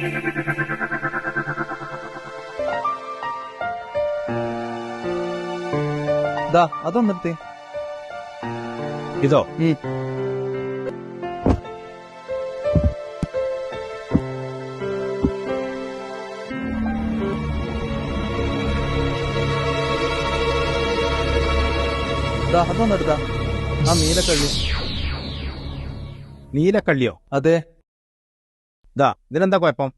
അതൊന്നെടുത്തേ. ഇതോ? അതൊന്നെടുത്താ. ആ നീലക്കള്ളി. നീലക്കള്ളിയോ? അതെ. ഇതിനെന്താ കുഴപ്പം?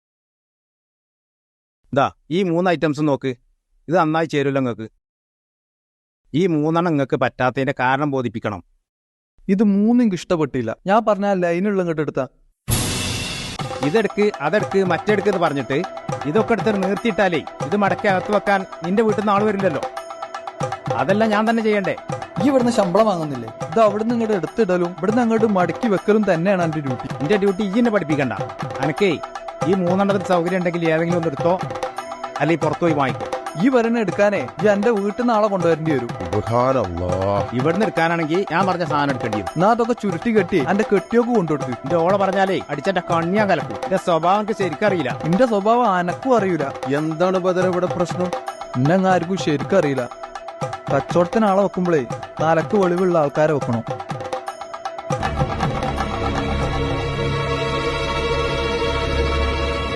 ഈ 3 ഐറ്റംസ് നോക്ക്. ഇത് നന്നായി ചേരൂല നിങ്ങൾക്ക്. ഈ 3 നിങ്ങൾക്ക് പറ്റാത്തതിന്റെ കാരണം ബോധിപ്പിക്കണം. ഇത് 3 എനിക്ക് ഇഷ്ടപ്പെട്ടില്ല. ഞാൻ പറഞ്ഞ ലൈനുള്ള ഇങ്ങോട്ട് എടുത്താ. ഇതെടുക്ക് അതെടുക്ക് മറ്റെടുക്ക് എന്ന് പറഞ്ഞിട്ട് ഇതൊക്കെ എടുത്ത് നിർത്തിയിട്ടാലേ ഇത് മടക്കി അകത്ത് വെക്കാൻ നിന്റെ വീട്ടിൽ നിന്ന് ആള് വരില്ലല്ലോ. അതെല്ലാം ഞാൻ തന്നെ ചെയ്യണ്ടേ? ഈ ഇവിടുന്ന് ശമ്പളം വാങ്ങുന്നില്ലേ? ഇത് അവിടുന്ന് ഇങ്ങോട്ട് എടുത്തിടലും ഇവിടുന്ന് അങ്ങോട്ട് മടക്കി വെക്കലും തന്നെയാണ് എന്റെ ഡ്യൂട്ടി. എന്റെ ഡ്യൂട്ടി ഈ എന്നെ പഠിപ്പിക്കണ്ട. അനക്കേ ഈ 3 സൗകര്യം ഉണ്ടെങ്കിൽ ഏതെങ്കിലും ഒന്ന് എടുത്തോ, അല്ലെങ്കിൽ പുറത്തു പോയി വാങ്ങിക്കോ. ഈ വരണ എടുക്കാനേ ഈ എന്റെ വീട്ടിൽ നിന്ന് ആളെ കൊണ്ടുവരേണ്ടി വരും. ഇവിടുന്ന് എടുക്കാനാണെങ്കിൽ ഞാൻ പറഞ്ഞ സാധനം എടുക്കേണ്ടി വരും. എന്നാ അതൊക്കെ ചുരുട്ടി കെട്ടി എന്റെ കെട്ടിയൊക്കെ കൊണ്ടുകൊടുത്തു. എന്റെ ഓളെ പറഞ്ഞാലേ അടിച്ചെന്റെ കണ്ണിയാൻ കലക്കും. എന്റെ സ്വഭാവം എനിക്ക് ശരിക്കറിയില്ല. എന്റെ സ്വഭാവം അനക്കും അറിയില്ല. എന്താണ് ബദല ഇവിടെ പ്രശ്നം? എന്നെങ്ങാർക്കും ശരിക്കും അറിയില്ല. കച്ചവടത്തിന് ആളെ വെക്കുമ്പോഴേ തലക്ക് വെളിവുള്ള ആൾക്കാരെ വെക്കണം.